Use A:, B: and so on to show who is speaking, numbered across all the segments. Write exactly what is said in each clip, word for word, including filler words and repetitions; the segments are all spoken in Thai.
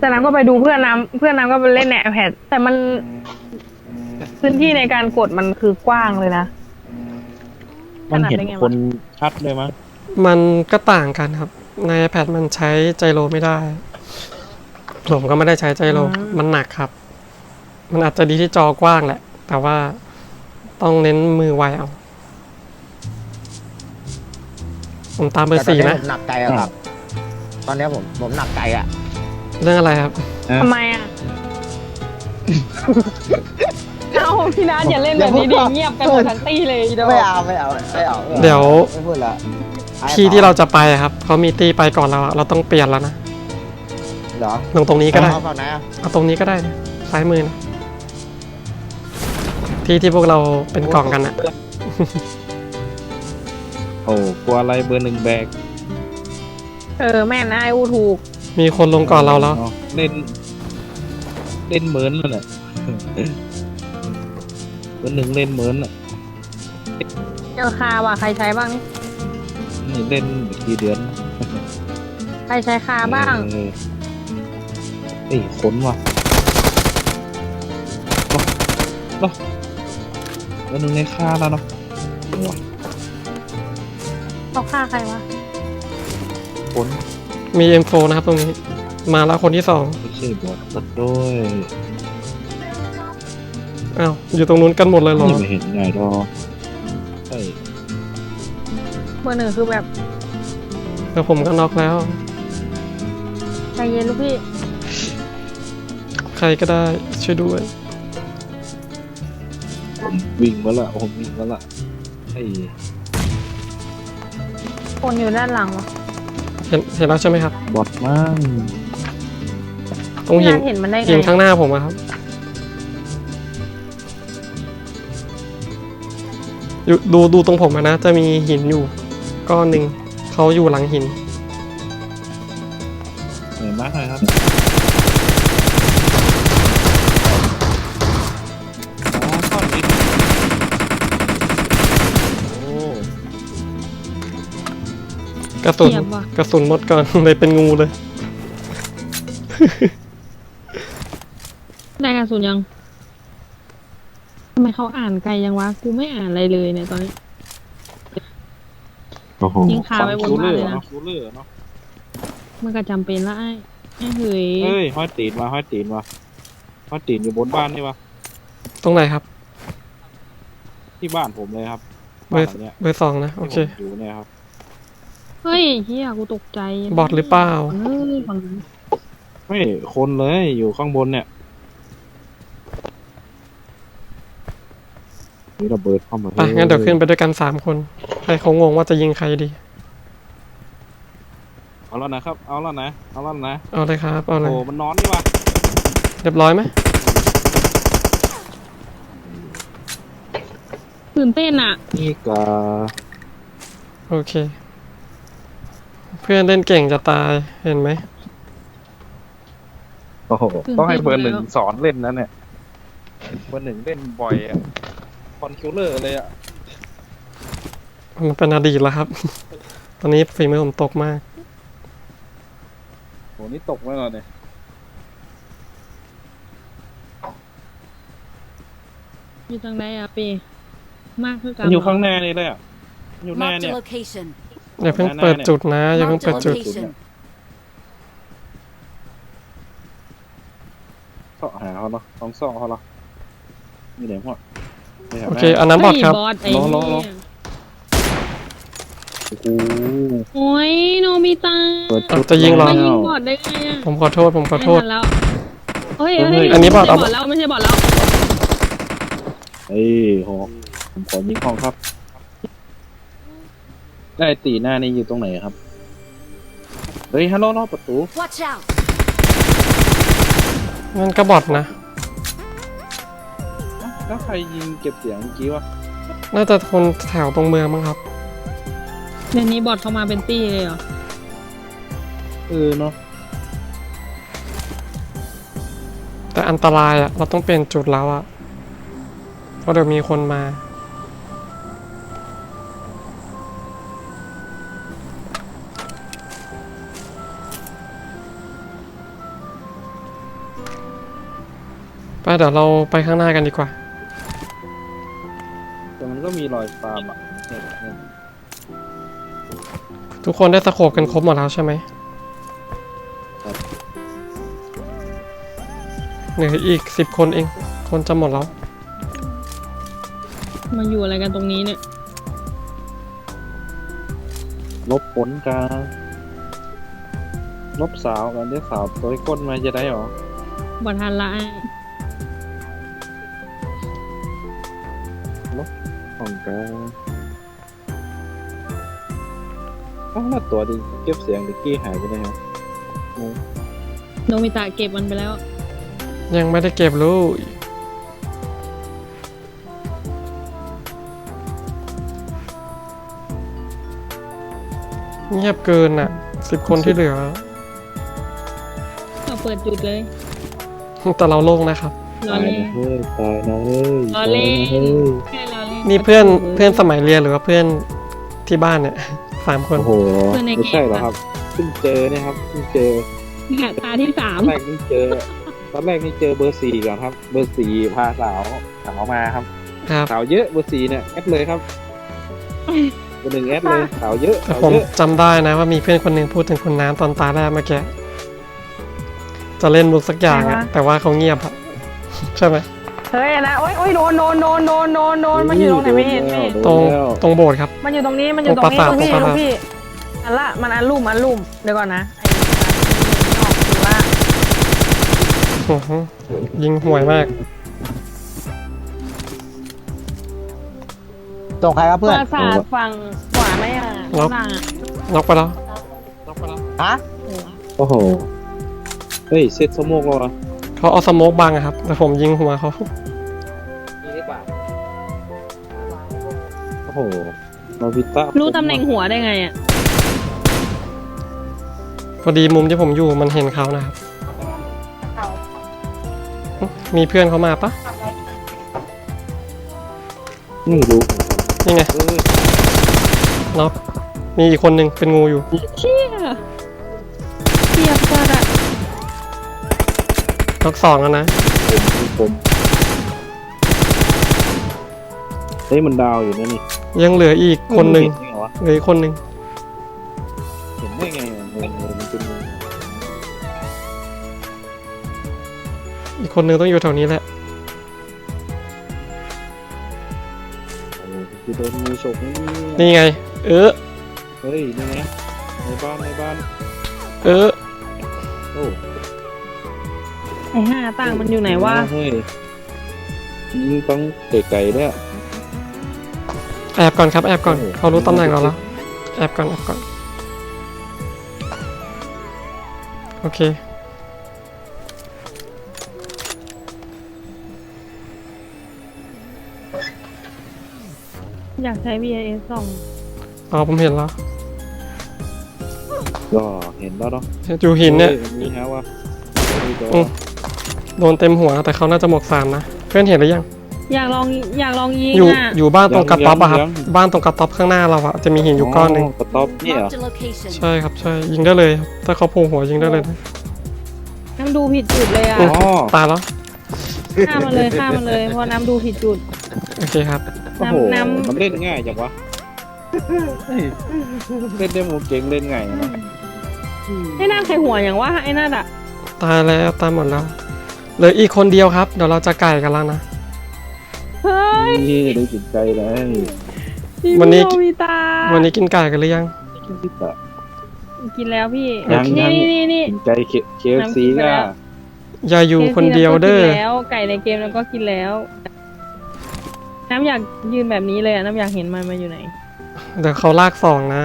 A: แต่น้ำก็ไปดูเพื่อนน้ำเพื่อนน้ำก็ไปเล่นใน iPad แต่มันพื้นที่ในการกดมันคือกว้างเลยนะ
B: มันเห็นคนชัดเลยมั้ง
C: มันก็ต่างกันครับใน iPad มันใช้ไจโรไม่ได้ผมก็ไม่ได้ใช้ไจโรมันหนักครับมันอาจจะดีที่จอกว้างแหละแต่ว่าต้องเน้นมือไวเอาผมตามเบอร์สี่นะ
D: ผมหนักใจอะครับตอนนี้ผมผมหนักใจอะ
C: เรื่องอะไรครับ
A: ทำไมอ่ะเอ้าพี่นัทอย่าเล่นแบบนี้ดิเงียบกันหมดทั้งตี้เลย
D: ไม่เอาไม่เอาไม่เอา
C: เดี๋ยว
D: ไม่พูดละ
C: ที่ที่เราจะไปครับเขามีตีไปก่อนเราเราต้องเปลี่ยนแล้วนะ
D: เหรอ
C: ลงตรงนี้ก็ได้
D: เอาฝั่งไหนอะ
C: เอาตรงนี้ก็ได้นะซ้ายมือนะที่ที่พวกเราเป็นกล่องกันอะ
B: โอ้กลัวอะไรเบอร์หนึ่งแบก
A: เออแม่นายอูถูก
C: มีคนลงก่อนเราแล้ว
B: เล่นเล่นเหมือนนั่นแหละเบอร์หนึ่งเล่นเหมือนอ่ะ
A: เจอคาว่ะใครใช้บ้าง
B: นี่เล่นกี่เดือน
A: ใครใช้คาบ้าง
B: เอ้ยขนว่ะเนาะเบอร์หนึ่งในค่าแล้วเนาะ
A: เขาฆ่าใครวะ
B: ขน
C: มี เอ็ม โฟร์ นะครับตรงนี้มาแล้วคนที่สอง
B: ไม่ใช่บอทตัดด้วย
C: อ้าวอยู่ตรงนู้นกันหมดเลยเหรอ
B: ไม่เห็นไงดอใช่
A: เบอร์หนึ่งคือแบบ
C: แล้วผมก็น็อกแล้ว
A: ใจเย็นลูกพี่
C: ใครก็ได้ช่วยด้วย
B: ผมวิ่งมาละผมวิ่งมาละไอ้
A: คนอยู่ด้านหลังวะ
C: เห็นเห็นแล้วใช่ไหมครับ
B: บอทมั่ง
C: ตรงหินหินข้างหน้าผมครับอยู่ดูดูตรงผมนะจะมีหินอยู่ก้อนหนึ่งเขาอยู่หลังหิน
B: เหนื่อยมากเลยครับอ๋อก้อนหินโอ้
C: กระสุนกระสุนหมดก่อนเลยเป็นงูเลย
A: ได้กระสุนยังทำไมเขาอ่านไกลยังวะกูไม่อ่านอะไรเลยเนี่ยตอนนี้ยิงขาไปบนบ้านเลยนะมันก็จำเป็นละไอ้ไอ้เฮ้ย
B: เฮ้ยห้อยตีนมาห้อยตีนมาห้อยตีนอยู่บนบ้านนี่วะ
C: ตรงไหนครับ
B: ที่บ้านผมเลยครับ
C: เบอร์เบอร์สองนะโอเค
B: อยู่เนี่ยครับ
A: เฮ้ยเฮียกูตกใจ
C: บอทหรือเปล่า
B: ไม่คนเลยอยู่ข้างบนเนี่ยนี่ระเบิดเข้ามา
C: ไปงั้นเดี๋ยวขึ้นไปด้วยกันสามคนให้เขางงว่าจะยิงใครดี
B: เอาแล้วนะครับเอาแล้วนะเอาแล้วนะ
C: เอาเลยครับเอาเลย
B: โอ้มันนอนนี่วะ
C: เรียบร้อยไหม
A: ตื่นเต้นอ่ะ
B: นี่กา
C: โอเคเพื่อนเล่นเก่งจะตายเห็นไหม
B: โอ้โหต้องให้เบอร์หนึ่งสอนเล่นนะเนี่ยเบอร์หนึ่งเล่นบ่อยอ่ะคอนคิวเลอร์เลยอ่ะ
C: มันเป็นอดีตแล้วครับตอนนี้ฝีมือผมตกมาก
B: โหนี่ตกไม่หรอเนี่ย
A: อยู่ทางไหนอะปีมากคือกัน
B: อยู่ข้างหน้านี่เลยอ่ะอยู่หน้าเนี่ย
C: อย่าเพิ่งเปิดจุดนะอย่าเพิ่งเปิดจุด
B: เสาะหาเขาเนาะต้องซ่อเขาเนาะมีไหนพ่อ
C: โอเคอันนั้นบอทครับ
B: รอรอรอโอ้
A: โอ้ยโนบิตะ
C: จะยิงเรา
A: บอทได้ไงอ่ะ
C: ผมขอโทษผมขอโทษ
A: แล้วเฮ้ย
C: อันนี้บอทเอา
A: แล้วไม่ใช่บอทแล้ว
B: เฮ้ยหอกผมขอยิงห้องครับได้ตีหน้านี่อยู่ตรงไหนครับเฮ้ยฮัลโหลประตู
C: นั่นก็บอทนะ
B: แล้วใครยิงเก็บเสียงเมื่อกี้วะ
C: น่าจะคนแถวตรงเมืองมั้งครับ
A: เดี๋ยวนี้บอทเข้ามาเป็นตี้เลยเหรอ
B: เออเนาะ
C: แต่อันตรายอ่ะเราต้องเปลี่ยนจุดแล้วอ่ะเพราะเดี๋ยวมีคนมาไปเดี๋ยวเราไปข้างหน้ากันดีกว่า
B: แต่มันก็มีรอยฟาร์มอ่ะเนี่ยเนี่ย
C: ทุกคนได้สโคปกันครบหมดแล้วใช่ไหมเหลืออีกสิบคนเอง คนจะหมดแล้ว
A: มาอยู่อะไรกันตรงนี้เนี่ย
B: ลบผลการลบสาวกันได้สาวตัวก้นมาจะได้หรอ
A: บัทันละ
B: ของการอ้าวแล้วตัวดิเก็บเสียงดิกี้หายไปไหนครับ
A: โนมิตะเก็บมันไปแล้ว
C: ยังไม่ได้เก็บลูกเงียบเกินอ่ะสิบคนที่เหลือ
A: เราเปิดจุดเลย
C: แต่เราโล่งนะครับ
A: รอเล่น
B: เฮ้ยตายนะเฮ้ย
A: รอเล่นแค่รอเล่น
C: นี่เพื่อนเพื่อนสมัยเรียนหรือว่าเพื่อนที่บ้านเนี่ย สามคน
B: โอ้โหไม่ใช่เหรอครับเพิ่งเจอเนี่ยครับเพิ่งเจอ
A: เนี่ยตาที่สาม
B: ตอนแรกนี่เจอตอนแรกนี่เจอเบอร์สี่ก่อนครับ เบอร์สี่พาสาวสาวมาครับ
C: ครับ
B: สาวเยอะเบอร์สี่เนี่ยแอดเลยครับเบอร์หนึ่งแอดเลยสาวเยอะ
C: แต่
B: สาว
C: ผม
B: เยอะ
C: จำได้นะว่ามีเพื่อนคนหนึ่งพูดถึงคุณน้ำตอนตาแรกเมื่อกี้จะเล่นมุกสักอย่างอะแต่ว่าเขาเงียบอะใช่ไหม
A: เฮ้ยนะโอ๊ยโอ๊ยโดนโดนโดนโดนโดนโดนมันอยู่ตรงไหนไม่เห็นไม่เห็น
C: ตรงตรงโบสถ์ครับ
A: มันอยู่ตรงนี้มันอยู่ตรงนี้
C: ต
A: ต
C: ร
A: รง ง
C: ปรา
A: พี่
C: สาท
A: ตรง
C: ตรงปราสาท
A: พี่อันละมันอันลุ่มอันลุ่มเดี๋ยวก่อนนะไอ้ออกคือว่า
C: โอ้โหยิงห่วยมาก
D: ตรงใครครับ
A: ป
D: เพื่อน
A: ราสาทฝั่งขวาไหมอ่ะ
C: ล็อก
A: ข้างหลังอ่ะ
C: น็อกไปแล้ว
D: ฮะ
B: โอ้โหเฮ้ยเซตสโมกแล้วเหรอ
C: เขาเอาสโมกบังอะครับ แต่ผมยิงหัวเขา
B: โอ้โหมาวิต้า
A: รู้ตำแหน่งหัวได้ไงอ่ะ
C: พอดีมุมที่ผมอยู่มันเห็นเขานะครับ มีเพื่อนเขามาปะ
B: นี่รู้
C: นี่ไง
B: เอ้ย
C: น็อกมีอีกคนหนึ่งเป็นงูอยู่
A: เชี่ยเทียบจัดอ่ะ
C: น็อกสองแล้วนะ
B: ผมผมเฮ้ยมันดาวอยู่นะนี่
C: ยังเหลืออีกคนหนึ่ง
B: เห็ได้ไวะ
C: เหลืออีกคนหนึ่ง
B: เห็นได้ไงอะงงเลยมันเป็นงง
C: อีกคนหนึ่งต้องอยู่แถวนี้แหละ
B: โอ้โหคือโดนมือฉกนี่
C: นี่ไง เออ
B: เฮ้ยนี่ไงในบ้านในบ้าน
C: เออ
B: โอ้
A: ไอ้ห้าต่างมันอยู่ไหนวะ
B: เฮ้ยยิงต้องเตะไก่เนี่ย
C: แอบก่อนครับแอบก่อน
B: โอ้โห
C: เขารู้ตำแหน่งเราแล้วแอบก่อนแอบก่อนโอเค
A: อยากใช้ วี ไอ เอส ส่อง
C: อ๋อผมเห็นแล้ว
B: ก็เห็นแล้วเนาะ
C: อยู่หินเนี่ย
B: ฮ้มีฮะวะ
C: อืม โดนเต็มหัวแต่เขาน่าจะหมวกสามนะเพื่อนเห็นหรือยัง
A: อยากลองอยากลองยิง
C: อยู่
A: อ่ะ
C: อยู่บ้านตรงกระต๊อบอะครับบ้านตรงกระต๊อบข้างหน้าเราอะจะมีหินอยู่ก้อนหนึ่ง
B: กระต๊อบเนี่ยเหรอ
E: Marked a location.
C: ใช่ครับใช่ยิงได้เลยครับถ้าเขาโผล่หัวยิงได้เลยนะ
A: น้ำดูผิดจุดเลยอ่ะ
C: อื
B: อ๋อ
C: ตายแล้ว
A: ฆ่ามันเลยฆ่ามันเลยเพราะน้ำดูผิดจุด
C: โอเคครับ
B: โอ้โห
A: น้ำน้ำ
B: มันเล่นง่ายจังวะเฮ้ยเล่นได้หมดเก่งเล่นง่ายนะ
A: ไอ้หน้าใครหัวอย่างว่าไอ้หน้าอ่ะ
C: ตายแล้วตายหมดแล้วเหลืออีกคนเดียวครับเดี๋ยวเราจะไก่กันแล้วนะ
A: เฮ้ย
B: นี่ได้จิตใจเลย
C: วันนี้
A: พี่โมีตา
C: วันนี้กินไก่กันหรือยัง
B: จิตใจ
A: กินแล้วพี่
B: ยัง
A: นี่
B: ยัง
A: นี่นี่นี่
B: จิตใจเคฟซี
A: น้ำกินไป
B: ก็
A: แล้ว
C: อย่าอยู่คนเดียวเด้อ
A: กินแล้วไก่ในเกมแล้วก็กินแล้ว น้ำอยากยืนแบบนี้เลยอะน้ำอยากเห็นมันมาอยู่ไหน
C: เดี๋ยวเขาลากสองนะ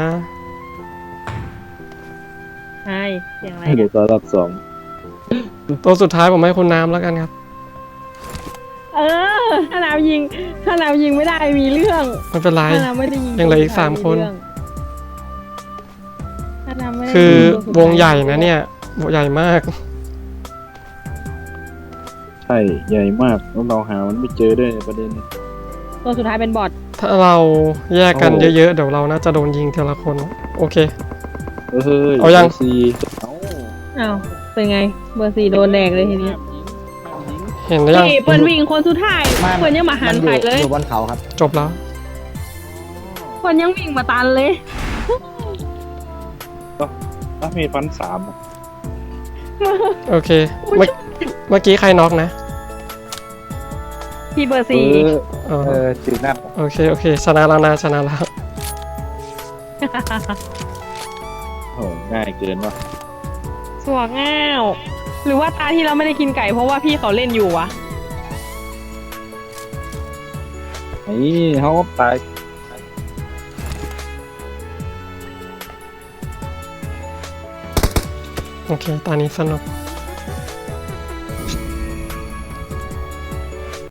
A: ใช่เสียงอะไร
B: ให้เดี๋
A: เนี่ย
B: วยตัวรับสอง
C: ตัวสุดท้ายผมให้คุณน้ำแล้วกันครับ
A: เออถ้าน้ำยิงถ้าน้ำยิงไม่ได้มีเรื่อง
C: ไม่เป็นไร
A: ถ้าน้ำไม่ได้ยิง
C: ยังเหลืออีกสามคน
A: เรื่องถ้าน้ำไม่ได้
C: คือ
A: ยิงตัวสุดท้ายว
C: งใหญ่นะเนี่ยวงใหญ่มาก
B: ใช่ใหญ่มากแล้วเราหามันไม่เจอด้วยประเด็น
A: ตัวสุดท้ายเป็นบอท
C: ถ้าเราแยกกัน
B: โอ้
C: เยอะๆเดี๋ยวเราน่าจะโดนยิงทีละคน โอเค
B: เฮ้ย
C: เอายัง
B: ซีเอา
A: อ้าวเป็นไงเบอร์สี่โดนแดกเลยทีนี้
C: เเห็นหรือยัง
A: พี่เปิ้ลวิ่งคนสุดท้าย
D: ไม่
A: เปิ้ลยังมาหัน
D: อ
A: ไป
D: ยู่
A: เลย
D: อยู่บนเขาครับ
C: จบแล้ว
A: เปิ้ลยังวิ่งมาตันเลย
B: ถ้ามีฟันสามอะ
C: โอเค เมื่อเมื่อกี้ใครน็อกนะ
A: พี่เบอร์
B: เอ
A: สี่
B: อ
C: อ๋อ
B: เออจีน่า
C: โอเค โอเค ชนะแล้วนะ ชนะแล้ว
B: โอ้ง่ายเกินว่ะ
A: สวกง่าวหรือว่าตาที่เราไม่ได้กินไก่เพราะว่าพี่เขาเล่นอยู่วะ
B: ไอ้เขาตาย
C: โอเค ตอนนี้สนุก